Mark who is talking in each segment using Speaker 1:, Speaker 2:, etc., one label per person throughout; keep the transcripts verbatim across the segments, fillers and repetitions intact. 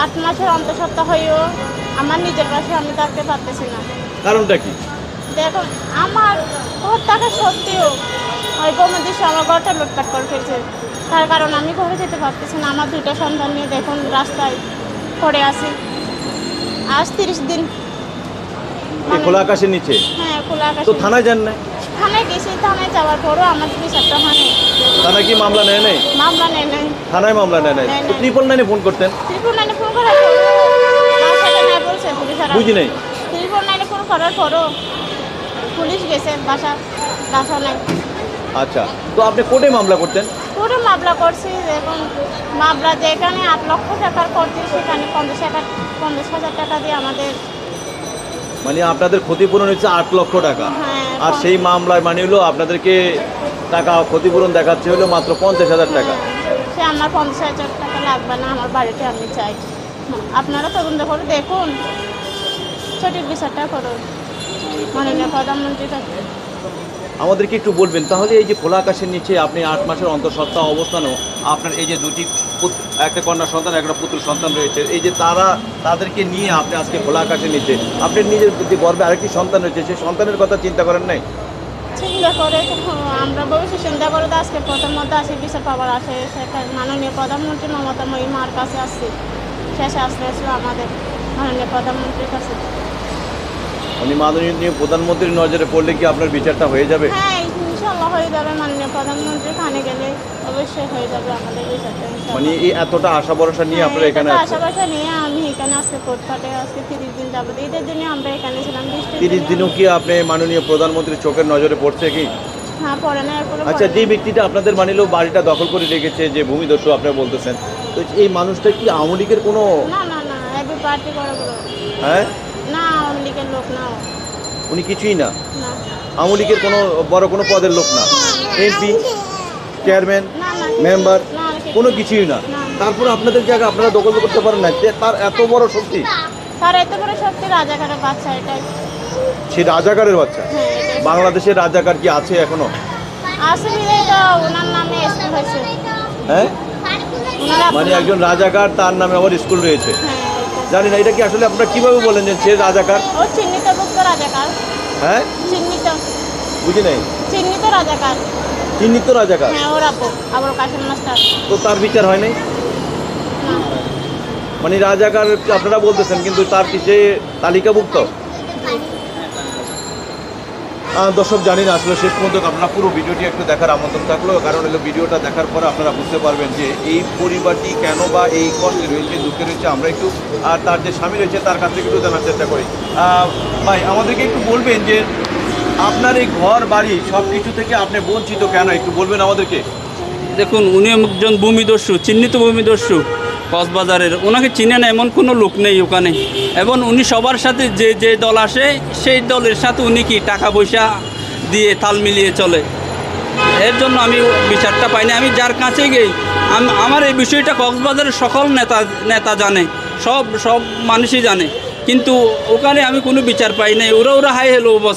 Speaker 1: আট মাসের অন্তঃসত্ত্বা হয়েও আমার নিজের পাশে আমি থাকতে পারতেছি না।
Speaker 2: কারণটা কি?
Speaker 1: দেখুন আমার ঘর টাকা সত্যিও ওই বৌমদের সে আমার ঘরটা লুটপাট করে ফেলছে, তার কারণ আমি ঘরে যেতে পারতেছি না। আমার দুইটা সন্তান নিয়ে দেখুন রাস্তায় পড়ে আছি আজ তিরিশ দিন।
Speaker 2: এই খোলা আকাশের নিচে?
Speaker 1: হ্যাঁ, খোলা আকাশ।
Speaker 2: তো থানায় যান না?
Speaker 1: থানায় গেছি, থানায় যাওয়ার পরও আমাদের বিচারটা হয়নি।
Speaker 2: থানায় কি মামলা নেয় নাই?
Speaker 1: মামলা নেয় নাই।
Speaker 2: থানায় মামলা নেয় নাই?
Speaker 1: নেয়
Speaker 2: তো
Speaker 1: নাই।
Speaker 2: ট্রিপল নাইনে ফোন করতেন?
Speaker 1: ত্রিপুর নাইনে ফোন করার পরও বাসাতে নাই বলছে পুলিশরা।
Speaker 2: বুঝি নাই।
Speaker 1: ত্রিপুর নাইনে ফোন করার পরও পুলিশ গেছে, বাসা বাসা নাই।
Speaker 2: আচ্ছা, তো আপনি কোর্টে মামলা করতেন?
Speaker 1: পুরো মামলা করছি, এবং মামলা যেখানে আট লক্ষ টাকার করছে সেখানে পঞ্চাশ হাজার পঞ্চাশ হাজার টাকা দিয়ে আমাদের।
Speaker 2: মানে আপনাদের ক্ষতিপূরণ হচ্ছে আট লক্ষ টাকা,
Speaker 1: হ্যাঁ,
Speaker 2: আর সেই মামলায় মানে হলো আপনাদেরকে টাকা ক্ষতিপূরণ দেখাচ্ছে হলো মাত্র পঞ্চাশ হাজার টাকা।
Speaker 1: সে আমার পঞ্চাশ হাজার টাকা লাগবে না, আমার বাড়িতে আমি চাই। আপনারা তদন্ত করে দেখুন, সঠিক বিচারটা করুন মাননীয় প্রধানমন্ত্রীর কাছে।
Speaker 2: আমাদেরকে একটু বলবেন তাহলে, এই যে খোলা আকাশের নিচে আপনি আট মাসের অন্তঃসত্ত্বা অবস্থানেও আপনার এই যে দুটি পুত- একটা কন্যা সন্তান একটা পুত্র সন্তান রয়েছে, এই যে তারা তাদেরকে নিয়ে আপনি আজকে খোলা আকাশের নিচে, আপনি নিজের যে গর্বে আরেকটি সন্তান রয়েছে সেই সন্তানের কথা চিন্তা করেন নাই?
Speaker 1: চিন্তা করে আমরা ভবিষ্যৎ চিন্তা করে তো আজকে প্রথমত আসি বিচার পাওয়ার আসে, সেটা মাননীয় প্রধানমন্ত্রী মমতা মহিমার কাছে আসছি। শেষে আসতে আসলো আমাদের মাননীয় প্রধানমন্ত্রীর কাছে।
Speaker 2: উনি মাননীয় প্রধানমন্ত্রীর নজরে পড়লে কি আপনার বিচারটা হয়ে যাবে?
Speaker 1: হ্যাঁ, ইনশাল্লাহ হয়ে যাবে। মাননীয় প্রধানমন্ত্রী খানে গেলে অবশ্যই হয়ে যাবে আমাদের বিচারটা ইনশাল্লাহ।
Speaker 2: মানে এই এতটা আশা ভরসা নিয়ে আপনারা এখানে
Speaker 1: হ্যাঁ,
Speaker 2: আছেন?
Speaker 1: আশাবাসা নিয়ে আমি এখানে আজকে কোর্টপাটে আজকে তিরিশ দিন যাবো, ঈদের জন্য আমরা এখানে ছিলাম। বৃষ্টির
Speaker 2: তিরিশ
Speaker 1: দিনে
Speaker 2: দিনও কি আপনি মাননীয় প্রধানমন্ত্রীর চোখের নজরে পড়ছে কি?
Speaker 1: হ্যাঁ, পড়ে না এরপরে
Speaker 2: আচ্ছা,
Speaker 1: পড়ে
Speaker 2: যে
Speaker 1: না।
Speaker 2: ব্যক্তিটা আপনাদের মানিলেও বাড়িটা দখল করে রেখেছে, যে ভূমিদস্যু আপনারা বলতেছেন, তো এই মানুষটা কি আওয়ামী লীগের কোনো?
Speaker 1: না না না, এবি পার্টি করে বলো।
Speaker 2: হ্যাঁ,
Speaker 1: না, আওয়ামী লীগের লোক না ও।
Speaker 2: উনি কিছুই না,
Speaker 1: না
Speaker 2: আওয়ামী লীগের কোনো বড় কোনো পদের লোক না, এমপি, চেয়ারম্যান,
Speaker 1: না না,
Speaker 2: মেম্বার,
Speaker 1: না, কিছু
Speaker 2: কোনো কিছুই না।
Speaker 1: না।
Speaker 2: তারপর আপনাদের জায়গা আপনারা দখল করতে পারেন না, তে- তার এত বড় শক্তি?
Speaker 1: তার এত বড় সত্যি রাজাকারের বাচ্চা এটাই।
Speaker 2: সে রাজাকারের বাচ্চা?
Speaker 1: হ্যাঁ, এটাই।
Speaker 2: বাংলাদেশের রাজাকার কি আছে এখনো?
Speaker 1: আসলে তো ওনার নামে স্কুল হয়েছে।
Speaker 2: হ্যাঁ,
Speaker 1: ওনারা
Speaker 2: মানে একজন রাজাকার, তার নামে আবার স্কুল রয়েছে?
Speaker 1: হ্যাঁ, এটাই।
Speaker 2: জানি না, এটা কি আসলে আপনারা কিভাবে বলেন যে সে রাজাকার?
Speaker 1: ও চিহ্নিতভুক্ত রাজাকার।
Speaker 2: হ্যাঁ,
Speaker 1: চিহ্নিত
Speaker 2: বুঝি নাই।
Speaker 1: চিহ্নিত রাজাকার।
Speaker 2: চিহ্নিত রাজাকার?
Speaker 1: হ্যাঁ, ওর আপু আবুল কাসেম মাস্টার।
Speaker 2: তো তার বিচার হয় নাই?
Speaker 1: না,
Speaker 2: মানে রাজাকার আপনারা বলতেছেন, কিন্তু তার কি সে তালিকাভুক্ত? আহ, দর্শক, জানি না আসলে শেষ পর্যন্ত আপনারা পুরো ভিডিওটি একটু দেখার আমন্ত্রণ থাকলো, কারণ হলো ভিডিওটা দেখার পরে আপনারা বুঝতে পারবেন যে এই পরিবারটি কেন বা এই কষ্টে রয়েছে, দুঃখে রয়েছে। আমরা একটু আর তার যে স্বামী রয়েছে তার কাছ থেকে একটু জানার চেষ্টা করি। আহ, ভাই, আমাদেরকে একটু বলবেন যে আপনার এই ঘর বাড়ি সব কিছু থেকে আপনি বঞ্চিত কেন, একটু বলবেন আমাদেরকে?
Speaker 3: দেখুন, উনি একজন ভূমিদস্যু, চিহ্নিত ভূমিদস্যু কক্সবাজারের। ওনাকে চিনে না এমন কোনো লোক নেই ওখানে, এবং উনি সবার সাথে যে যে দল আসে সেই দলের সাথে উনি কি টাকা পয়সা দিয়ে তাল মিলিয়ে চলে। এর জন্য আমি বিচারটা পাইনি। আমি যার কাছে গেই, আম- আমার এই বিষয়টা কক্সবাজারের সকল নেতা নেতা জানে, সব সব মানুষই জানে, কিন্তু ওখানে আমি কোনো বিচার পাই নাই। ওরা ওরা হাই হ্যালো বস।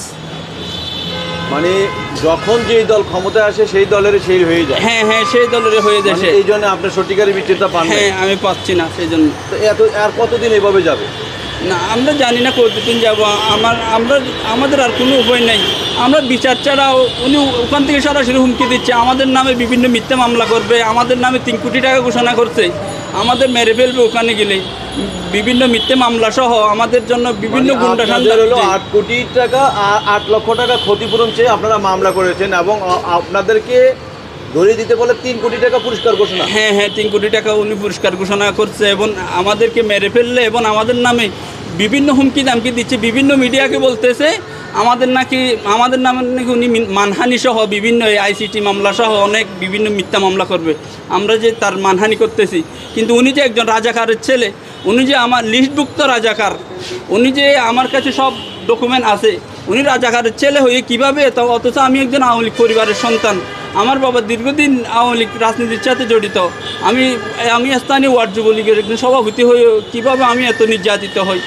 Speaker 2: মানে যখন যেই দল ক্ষমতায় আসে সেই দলের সেই হয়ে যায়।
Speaker 3: হ্যাঁ হ্যাঁ, সেই দলের হয়ে
Speaker 2: মানে
Speaker 3: দেশে।
Speaker 2: এই জন্য আপনার সত্যিকারের বিচারটা পান না?
Speaker 3: হ্যাঁ, আমি পাচ্ছি না, সেই জন্য।
Speaker 2: তো এত আর কতদিন এভাবে যাবে?
Speaker 3: না, আমরা জানি না কতদিন যাব। আমার আমরা আমাদের আর কোনো উপায় নেই। আমরা বিচার ছাড়া, উনি ওখান থেকে সরাসরি হুমকি দিচ্ছে, আমাদের নামে বিভিন্ন মিথ্যা মামলা করবে, আমাদের নামে তিন কোটি টাকা ঘোষণা করছে, আমাদের মেরে ফেলবে ওখানে গেলে। বিভিন্ন মিথ্যা মামলা সহ আমাদের জন্য বিভিন্ন
Speaker 2: মানে
Speaker 3: গুন্ডা
Speaker 2: আপনাদের হলো
Speaker 3: সন্ত্রাস।
Speaker 2: আট কোটি টাকা আর আট লক্ষ টাকা ক্ষতিপূরণ চেয়ে আপনারা মামলা করেছেন, এবং আ- আপনাদেরকে ধরিয়ে দিতে বলে তিন কোটি টাকা পুরস্কার ঘোষণা।
Speaker 3: হ্যাঁ হ্যাঁ, তিন কোটি টাকা উনি পুরস্কার ঘোষণা করছে, এবং আমাদেরকে মেরে ফেললে এবং আমাদের নামে বিভিন্ন হুমকি দামকি দিচ্ছে। বিভিন্ন মিডিয়াকে বলতেছে আমাদের নাকি আমাদের নামে নাকি উনি মিন- মানহানি সহ বিভিন্ন আইসিটি মামলা সহ অনেক বিভিন্ন মিথ্যা মামলা করবে। আমরা যে তার মানহানি করতেছি, কিন্তু উনি যে একজন রাজাকারের ছেলে, উনি যে আমার লিস্টভুক্ত রাজাকার, উনি যে আমার কাছে সব ডকুমেন্ট আছে, উনি রাজাকারের ছেলে হয়ে কীভাবে, তা অথচ আমি একজন আওয়ামী লীগ পরিবারের সন্তান। আমার বাবা দীর্ঘদিন আওয়ামী লীগ রাজনীতির সাথে জড়িত। আমি আমি স্থানীয় ওয়ার্ড যুবলীগের একজন সভাপতি হয়ে কীভাবে আমি এত নির্যাতিত হই।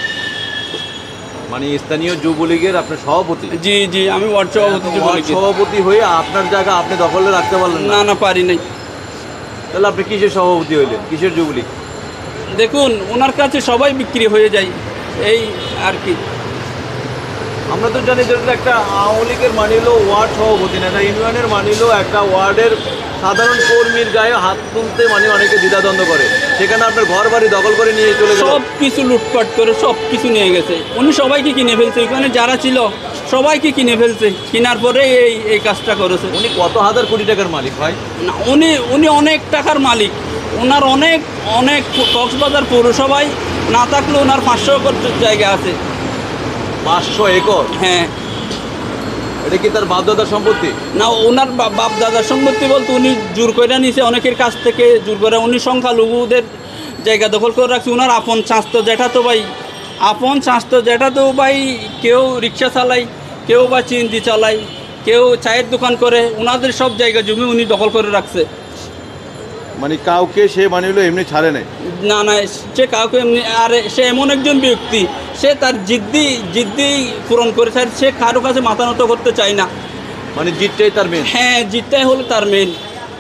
Speaker 2: মানে স্থানীয় যুবলীগের আপনার সভাপতি?
Speaker 3: জি জি, আমি ওয়ার্ড সভাপতি
Speaker 2: ওয়ার্ড
Speaker 3: যুবলীগের।
Speaker 2: সভাপতি হয়ে আপনার জায়গা আপনি দখলে রাখতে পারলেন না?
Speaker 3: না না, পারি নাই।
Speaker 2: তাহলে আপনি কিসের সভাপতি হইলেন, কিসের যুবলীগ?
Speaker 3: দেখুন ওনার কাছে সবাই বিক্রি হয়ে যায় এই আর কি।
Speaker 2: আমরা তো জানি যে এটা একটা আওয়ামী লীগের মানিল ওয়ার্ড সভাপতি না, এটা ইউনিয়নের মানিল একটা ওয়ার্ডের সাধারণ কর্মীর গায়ে হাত তুলতে মানে অনেকে দ্বিধাদ্বন্দ্ব করে, সেখানে আপনার ঘর বাড়ি দখল করে নিয়ে চলে গেল,
Speaker 3: সব কিছু লুটপাট করে সব কিছু নিয়ে গেছে। উনি সবাইকে কিনে ফেলছে, এখানে যারা ছিল সবাইকে কিনে ফেলছে, কেনার পরে এই এই কাজটা করেছে।
Speaker 2: উনি কত হাজার কোটি টাকার মালিক ভাই?
Speaker 3: না, উনি উনি অনেক টাকার মালিক, ওনার অনেক অনেক কক্সবাজার পৌরসভায় না থাকলে ওনার পাঁচশো একর জায়গা আছে।
Speaker 2: পাঁচশো একর?
Speaker 3: হ্যাঁ।
Speaker 2: এটা কি তার বাপদাদার সম্পত্তি?
Speaker 3: না, ওনার বা- বাপ দাদার সম্পত্তি বলতে উনি জোর করে নিছে অনেকের কাছ থেকে, জোর করে উনি সংখ্যালঘুদের জায়গা দখল করে রাখছে। ওনার আপন চাঁচতো জ্যাঠাতো ভাই, আপন চাঁচতো জ্যাঠাতো ভাই কেউ রিক্সা চালায়, কেউ বা চিন্তি চালায়, কেউ চায়ের দোকান করে, ওনাদের সব জায়গা জমি উনি দখল করে রাখছে।
Speaker 2: মানে কাউকে সে মানিল এমনি ছাড়ে নাই?
Speaker 3: না না, সে কাউকে এমনি, আর সে এমন একজন ব্যক্তি, সে তার জিদ্দি জিদ্দি পূরণ করে, স্যার সে কারো কাছে মাথা নত করতে চায় না।
Speaker 2: মানে জিতটাই তার মেন?
Speaker 3: হ্যাঁ, জিতটাই হলো তার মেন।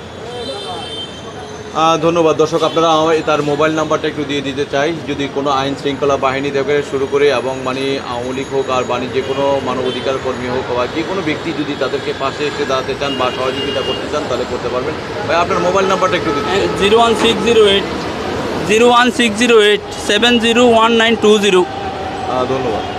Speaker 2: ধন্যবাদ। দর্শক, আপনারা আমায় তার মোবাইল নাম্বারটা একটু দিয়ে দিতে চাই, যদি কোনো আইন শৃঙ্খলা বাহিনী থেকে শুরু করে এবং মানে আওয়ামী লীগ হোক আর মানে যে কোনো মানবাধিকার কর্মী হোক বা যে কোনো ব্যক্তি যদি তাদেরকে পাশে এসে দাঁড়াতে চান বা সহযোগিতা করতে চান তাহলে করতে পারবেন। ভাই আপনার মোবাইল নাম্বারটা একটু দিতে চাই।
Speaker 3: Zero one six zero eight zero one six zero eight seven zero one nine two zero.
Speaker 2: ধন্যবাদ।